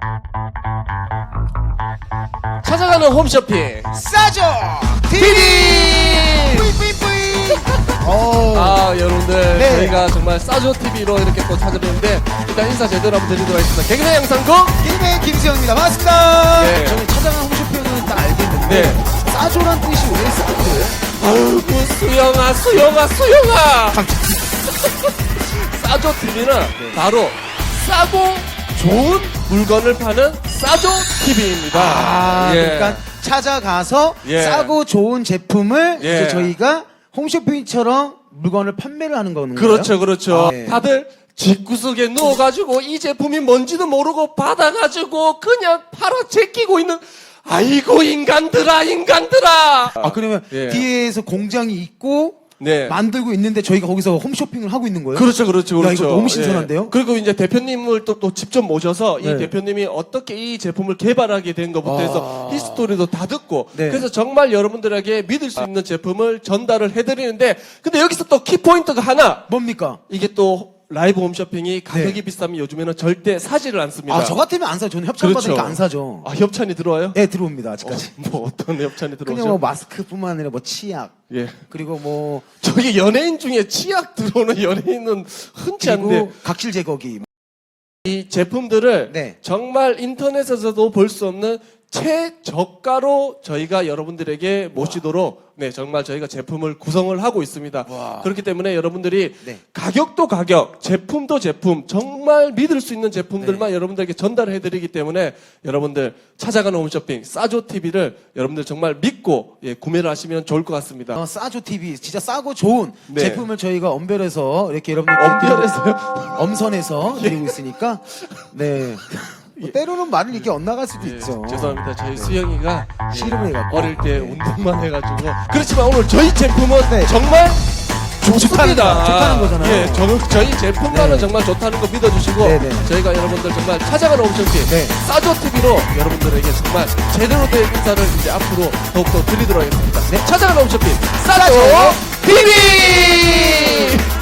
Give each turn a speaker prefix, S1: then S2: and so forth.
S1: 찾아가는 홈쇼핑
S2: 싸죠
S1: TV!
S2: 뿌이뿌이뿌이.
S1: 여러분들
S2: 네.
S1: 저희가 정말 싸조 TV로 이렇게 또 찾아뵙는데 일단 인사 제대로 한번 드리도록 하겠습니다. 개그맨 양상국.
S2: 게임의 김수영입니다. 반갑습니다.
S1: 네.
S2: 저는 찾아간 홈쇼핑은 다 알겠는데
S1: 네.
S2: 싸조란 뜻이 왜 싸조예요?
S1: 아이고 수영아. 싸조 TV는 바로 싸고 좋은 물건을 파는 싸조 TV입니다.
S2: 그러니까 찾아가서
S1: 예.
S2: 싸고 좋은 제품을
S1: 예.
S2: 이제 저희가 홈쇼핑처럼 물건을 판매를 하는 거는
S1: 그렇죠.
S2: 네.
S1: 다들 집구석에 누워가지고 이 제품이 뭔지도 모르고 받아가지고 그냥 팔아 제끼고 있는 아이고 인간들아.
S2: 그러면
S1: 예.
S2: 뒤에서 공장이 있고
S1: 네.
S2: 만들고 있는데 저희가 거기서 홈쇼핑을 하고 있는 거예요?
S1: 그렇죠.
S2: 야, 이거 너무 신선한데요?
S1: 예. 그리고 이제 대표님을 또 직접 모셔서 이
S2: 네.
S1: 대표님이 어떻게 이 제품을 개발하게 된 것부터 해서 히스토리도 다 듣고
S2: 네.
S1: 그래서 정말 여러분들에게 믿을 수 있는 제품을 전달을 해드리는데 근데 여기서 또 키포인트가 하나
S2: 뭡니까?
S1: 이게 또 라이브 홈쇼핑이 가격이 비싸면 요즘에는 절대 사지를 않습니다.
S2: 저 같으면 안 사요. 저는 협찬 받으니까
S1: 그렇죠.
S2: 안 사죠.
S1: 협찬이 들어와요?
S2: 네, 들어옵니다. 아직까지.
S1: 뭐 어떤 협찬이 들어오죠?
S2: 그냥 뭐 마스크뿐만 아니라 뭐 치약,
S1: 예.
S2: 그리고 뭐
S1: 저기 연예인 중에 치약 들어오는 연예인은 흔치 않은데
S2: 그리고 각질 제거기.
S1: 이 제품들을
S2: 네.
S1: 정말 인터넷에서도 볼 수 없는 최저가로 저희가 여러분들에게 모시도록 정말 저희가 제품을 구성을 하고 있습니다.
S2: 와.
S1: 그렇기 때문에 여러분들이
S2: 네.
S1: 가격도 가격, 제품도 제품, 정말 믿을 수 있는 제품들만 여러분들에게 전달해 드리기 때문에 여러분들 찾아가는 홈쇼핑 싸조 TV를 여러분들 정말 믿고 구매를 하시면 좋을 것 같습니다.
S2: 싸조 TV 진짜 싸고 좋은
S1: 네.
S2: 제품을 저희가 엄별해서 이렇게 여러분들
S1: 엄별해서요?
S2: 엄선해서 드리고 있으니까 네. 뭐 때로는 말을 이렇게 엇나갈 수도
S1: 예,
S2: 있죠.
S1: 죄송합니다. 저희 수영이가
S2: 씨름을 해갖고.
S1: 어릴 때 운동만 해가지고 그렇지만 오늘 저희 제품은
S2: 네.
S1: 정말
S2: 좋다는
S1: 좋습니다.
S2: 거, 좋다는 거잖아요.
S1: 예, 저희 제품만은
S2: 네.
S1: 정말 좋다는 거 믿어주시고
S2: 네, 네.
S1: 저희가 여러분들 정말 찾아가는 홈쇼핑
S2: 네.
S1: 싸조 TV로 여러분들에게 정말 제대로 된 인사를 이제 앞으로 더욱더 드리도록 하겠습니다.
S2: 네.
S1: 찾아가는 홈쇼핑 싸조 TV.